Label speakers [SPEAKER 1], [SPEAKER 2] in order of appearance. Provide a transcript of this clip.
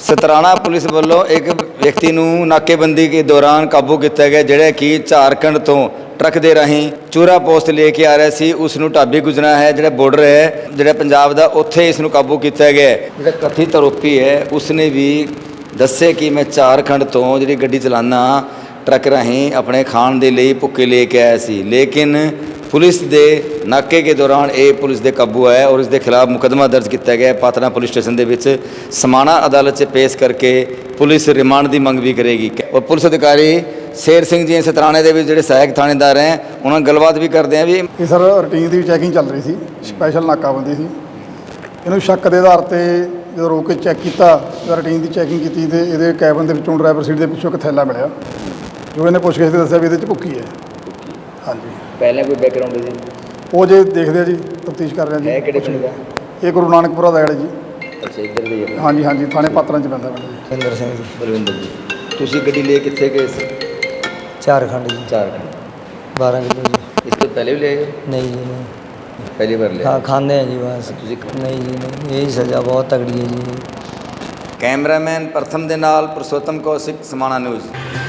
[SPEAKER 1] Satrana police ਵੱਲੋਂ ਇੱਕ ਵਿਅਕਤੀ ਨੂੰ ਨਾਕੇਬੰਦੀ ਦੇ ਦੌਰਾਨ ਕਾਬੂ ਕੀਤਾ ਗਿਆ, ਜਿਹੜਾ ਕਿ ਝਾਰਖੰਡ ਤੋਂ ਟਰੱਕ ਦੇ ਰਾਹੀਂ ਚੂਰਾ ਪੋਸਟ ਲੈ ਕੇ ਆ ਰਿਹਾ ਸੀ। ਉਸ ਨੂੰ ਢਾਬੀ ਗੁਜਰਨਾ ਹੈ, ਜਿਹੜਾ ਬਾਰਡਰ ਹੈ ਜਿਹੜਾ ਪੰਜਾਬ ਦਾ, ਉੱਥੇ ਇਸ ਨੂੰ ਕਾਬੂ ਕੀਤਾ ਗਿਆ। ਜਿਹੜਾ ਕਥਿਤ ਆਰੋਪੀ ਹੈ ਉਸਨੇ ਵੀ ਦੱਸਿਆ ਕਿ ਮੈਂ ਝਾਰਖੰਡ ਤੋਂ ਜਿਹੜੀ ਗੱਡੀ ਚਲਾਉਂਦਾ ਟਰੱਕ ਰਾਹੀਂ ਆਪਣੇ ਖਾਣ ਦੇ ਲਈ ਭੁੱਕੇ ਲੈ ਕੇ ਆਇਆ ਸੀ, ਲੇਕਿਨ पुलिस के नाके के दौरान ये पुलिस के काबू आया और इसके खिलाफ मुकदमा दर्ज किया गया। पात्रा पुलिस स्टेशन के समाणा अदालत से पेश करके पुलिस रिमांड की मंग भी करेगी। और पुलिस अधिकारी शेर सिंह जी सतराणे के जोड़े सहायक थानेदार हैं, उन्होंने गलबात भी करते हैं। भी
[SPEAKER 2] सर रूटीन की चैकिंग चल रही थी, स्पैशल नाकाबंदी थी। इन्होंने शक के आधार पर जो रोक के चैक किया, रूटीन की चैकिंग की तो ये कैबन के ड्राइवर सीट के पिछों एक थैला मिला, जो इन्हें पुछगिछ के दसिया भी ये भुक्की है। हाँ जी,
[SPEAKER 1] पहले कोई बैकग्राउंड जी
[SPEAKER 2] वो जो देखते जी तफ्तीश कर रहे हैं जी। ये गुरु नानकपुरा का है जी।
[SPEAKER 1] अच्छा, इधर दे
[SPEAKER 2] हाँ जी, हाँ जी, थाने पात्रा च पैंदा जी।
[SPEAKER 3] बलविंदर सिंह जी।
[SPEAKER 1] बलविंदर जी, तुसी गड्डी ले कित्थे गए सी?
[SPEAKER 3] झारखंड जी।
[SPEAKER 1] झारखंड
[SPEAKER 3] 12 किलो जी।
[SPEAKER 1] इस तो पहले भी ले आए?
[SPEAKER 3] नहीं जी नहीं,
[SPEAKER 1] पहली बार ले?
[SPEAKER 3] हाँ खाने हैं जी बस।
[SPEAKER 1] तुसी
[SPEAKER 3] नहीं जी नहीं, यही सज़ा बहुत तगड़ी है जी।
[SPEAKER 1] कैमरामैन प्रथम दे नाल पुरुषोत्तम कौशिक, समाणा न्यूज़।